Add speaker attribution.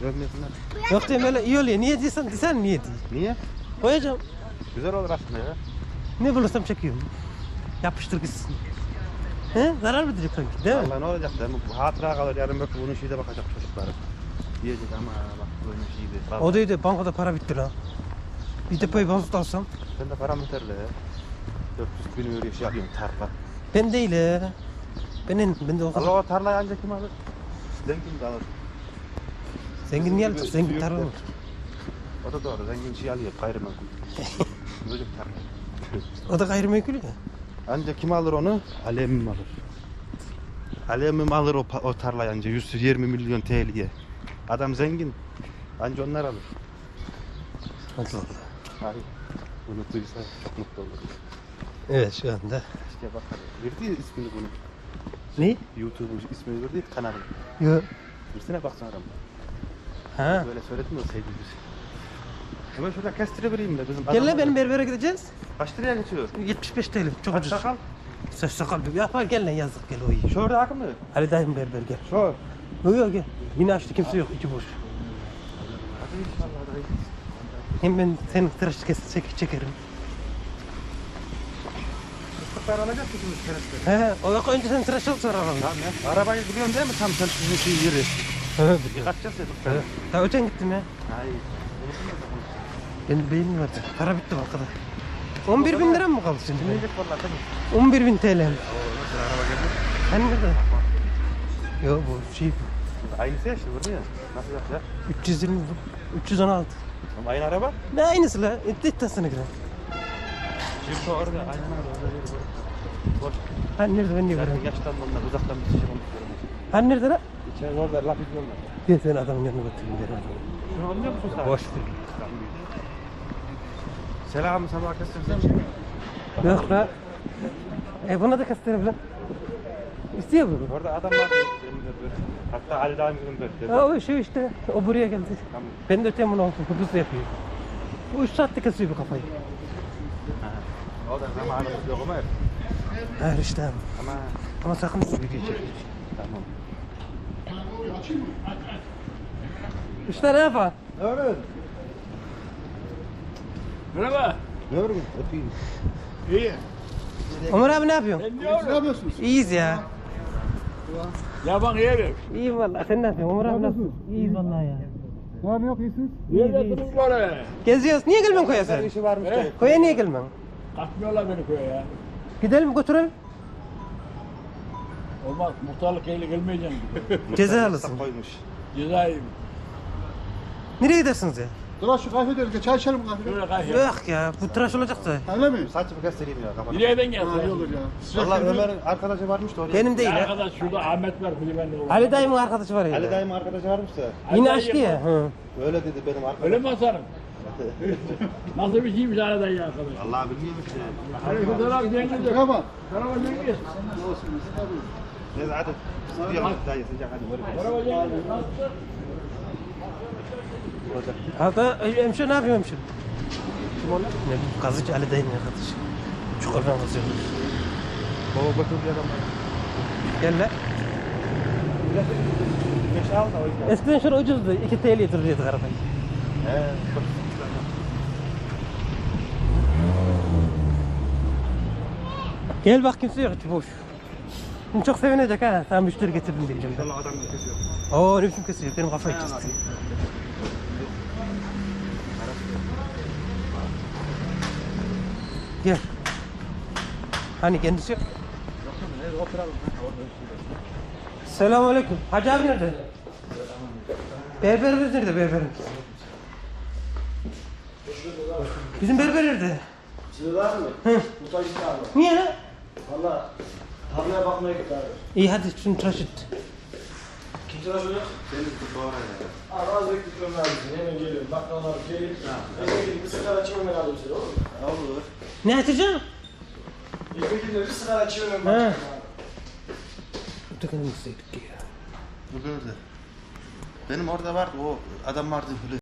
Speaker 1: Dövmesinler.
Speaker 2: Yok diyeyim öyle iyi oluyor. Niye diyorsan niye diye.
Speaker 1: Niye?
Speaker 2: Koyacağım.
Speaker 1: Güzel olur aslında ya.
Speaker 2: Ne bulursam çekiyorum. Yapıştır gitsin. He? Zarar mı diyecek sanki değil mi?
Speaker 1: Vallahi ne olacak da bu hatıra kalır yarın belki bunun şeyde bakacak çocukları. Diyecek ama bak böyle şeydi.
Speaker 2: O değil bankada para bitti lan. Bir depoyu bozuk alsam.
Speaker 1: Sen de param yeterli ya. 400 bin euro şey alıyorum tarla.
Speaker 2: Ben değil he. Ben de o kadar.
Speaker 1: Allah o tarlayı ancak kim alır? Zengin de alır.
Speaker 2: Zengin niye alacak? Zengin tarla olur.
Speaker 1: O da doğru. Zengin şey alıyor. Gayrimenkul. Böyle bir tarla.
Speaker 2: O da gayrimenkul ya.
Speaker 1: Ancak kim alır onu? Alemim alır. Alemim alır o tarlayı anca 120 milyon TL'ye. Adam zengin. Anca onlar alır.
Speaker 2: Allah Allah.
Speaker 1: Hayır. Bunu duysa çok mutlu olur.
Speaker 2: Evet şu anda.
Speaker 1: İşte bak. Verdi ya ismini bunu.
Speaker 2: Ne?
Speaker 1: YouTube'un ismini verdi ya kanalın.
Speaker 2: Yok.
Speaker 1: Versene baksana adam.
Speaker 2: Ha.
Speaker 1: Böyle söyledim ya sevgili. Hemen şurada kestirebileyim de bizim
Speaker 2: Gel lan benim berbere gideceğiz.
Speaker 1: Kaç liraya geçiyor?
Speaker 2: 75 TL. Çok
Speaker 1: Kaç
Speaker 2: ucuz.
Speaker 1: sakal?
Speaker 2: Saç sakal yapar gel lan yazık gel o iyi.
Speaker 1: Şurada akım mı?
Speaker 2: Ali dayım berber gel.
Speaker 1: Şu.
Speaker 2: Yok gel. Yine açtı kimse yok içi boş.
Speaker 1: Hadi inşallah dayı.
Speaker 2: Hem ben senin tıraş çekerim.
Speaker 1: Fıstıklar alacak mısınız kereste?
Speaker 2: He, o yok önce sen tıraş ol sonra alalım.
Speaker 1: Tamam ya. Arabayı biliyorsun değil mi tam sen sizin şey yeri?
Speaker 2: He,
Speaker 1: Kaçacağız dedik.
Speaker 2: evet. Daha öten gittim ya.
Speaker 1: Hayır.
Speaker 2: Benim beynim vardı. Para bitti bankada. 11 bin lira mı kaldı şimdi?
Speaker 1: Dinleyecek vallahi değil mi?
Speaker 2: 11 bin TL.
Speaker 1: Oo nasıl araba geldi?
Speaker 2: Hani nerede? Yok bu şey
Speaker 1: Aynısı ya işte burada ya. Nasıl yapacak?
Speaker 2: 320 316.
Speaker 1: Ama aynı araba.
Speaker 2: Ne aynısı la? İddiasına giren.
Speaker 1: Şimdi orada aynen orada bir boş.
Speaker 2: Hani nerede ben niye
Speaker 1: Zaten
Speaker 2: görüyorum?
Speaker 1: yaştan onlar uzaktan bir şey konuşuyorum.
Speaker 2: Hani nerede la?
Speaker 1: İçeri orada laf ediyorlar.
Speaker 2: Gel sen adamın yanına götüreyim gel.
Speaker 1: Şunu anlıyor musun sen?
Speaker 2: Boş ver.
Speaker 1: Selam sabah kestirsen.
Speaker 2: Yok la. Buna da kastırım lan. İstiyor mu?
Speaker 1: Orada adam var. Benim de böyle. Hatta Ali Dağım'ın böyle.
Speaker 2: O şey işte. O buraya geldi.
Speaker 1: Tamam.
Speaker 2: Ben de öteyim bunu olsun. Hızlı yapıyor. Bu 3 saatte kesiyor bu kafayı.
Speaker 1: O da zamanımız yok ama.
Speaker 2: Hayır işte.
Speaker 1: Ama
Speaker 2: Sakın video çek.
Speaker 1: tamam.
Speaker 2: İşte ne yapar?
Speaker 1: Ne var?
Speaker 3: Merhaba.
Speaker 1: Ne var? Öpeyim.
Speaker 3: İyi.
Speaker 2: Ömer abi ne yapıyorsun?
Speaker 3: Ne yapıyorsunuz?
Speaker 2: İyiyiz ya.
Speaker 3: Ya bak yerim.
Speaker 2: İyiyim vallahi. Sen ne yapıyorsun? Ömer abi ne yapıyorsun? İyiyiz vallahi ya.
Speaker 4: Ne var ne yok iyisiniz?
Speaker 3: Nerede durun böyle?
Speaker 2: Geziyoruz. Niye gelmiyorsun koya sen?
Speaker 1: işi varmış
Speaker 3: He?
Speaker 2: Koya niye gelmiyorsun?
Speaker 3: Katmıyorlar beni köye ya.
Speaker 2: Gidelim götürelim.
Speaker 3: Olmaz. Muhtarlık eyle gelmeyeceğim.
Speaker 2: Cezalısın.
Speaker 1: Koymuş.
Speaker 3: Cezayim.
Speaker 2: Nereye gidersiniz ya?
Speaker 4: Dur şu kahve diyoruz. Çay içelim kahve.
Speaker 3: Şöyle kayıyor.
Speaker 2: Yok ya. Bu tıraş olacak da.
Speaker 4: Öyle mi?
Speaker 1: Saçımı kestireyim ya kafana.
Speaker 3: Nereden
Speaker 4: Ha,
Speaker 3: geldi?
Speaker 4: iyi olur ya. Sıcak
Speaker 1: Vallahi
Speaker 4: geldi.
Speaker 1: Ömer'in arkadaşı varmış da oraya.
Speaker 2: Benim değil ya.
Speaker 3: Arkadaş şurada Ahmet var. Kulübende olur.
Speaker 2: Ali dayımın arkadaşı var ya.
Speaker 1: Ali dayımın arkadaşı varmış da.
Speaker 2: Yine
Speaker 3: Ali
Speaker 2: açtı
Speaker 3: dayı
Speaker 2: ya. Hı.
Speaker 1: Öyle dedi benim arkadaşım.
Speaker 3: Öyle mi Hasan'ım? Nasıl bir şeymiş Ali dayı arkadaş?
Speaker 1: Allah bilmiyorum işte.
Speaker 3: Aleykümselam Cengiz.
Speaker 4: Merhaba.
Speaker 3: Merhaba Cengiz.
Speaker 1: Neyse hadi. Sıkıyorum dayı sıcak hadi.
Speaker 3: Merhaba Cengiz. Nasılsın?
Speaker 2: Hatta hemşire ne yapıyor hemşire? Kim onlar? Ne bileyim kazıcı Ali dayımın arkadaşı. Çukurdan kazıyor.
Speaker 1: Baba götür bir adam var.
Speaker 2: Gel lan.
Speaker 1: Beş al da o yüzden.
Speaker 2: Eskiden şöyle ucuzdu. 2 TL'ye duruyorduk arabayı.
Speaker 1: He.
Speaker 2: Gel bak kimse yok içi boş. Şimdi çok sevinecek ha. Sen müşteri getirdin diyeceğim.
Speaker 1: Allah adam kesiyor.
Speaker 2: Oo ne biçim kesiyor. Benim kafayı kesti. Gel. Hani kendisi yok. Selamünaleyküm. Hacı abi nerede? Berberimiz nerede berberimiz? Bizim berber nerede?
Speaker 5: Sığlar mı?
Speaker 2: Hı.
Speaker 5: Muhtaç abi.
Speaker 2: Niye lan?
Speaker 5: Valla tarlaya bakmaya git abi.
Speaker 2: İyi hadi şunu tıraş et.
Speaker 5: Kim tıraşıyor?
Speaker 1: Senin bu doğru ya.
Speaker 5: Abi az bekliyorum abi. Hemen geliyorum. Bakkallar gelip. Eve gidip bir sigara açayım hemen alayım seni olur mu?
Speaker 1: Olur.
Speaker 2: Ne açacağım?
Speaker 5: Eve gidip bir sigara açayım hemen
Speaker 2: He.
Speaker 5: bakayım abi.
Speaker 2: Ötekini gitseydik ya.
Speaker 1: Bu böyle. Benim orada vardı o adam vardı böyle.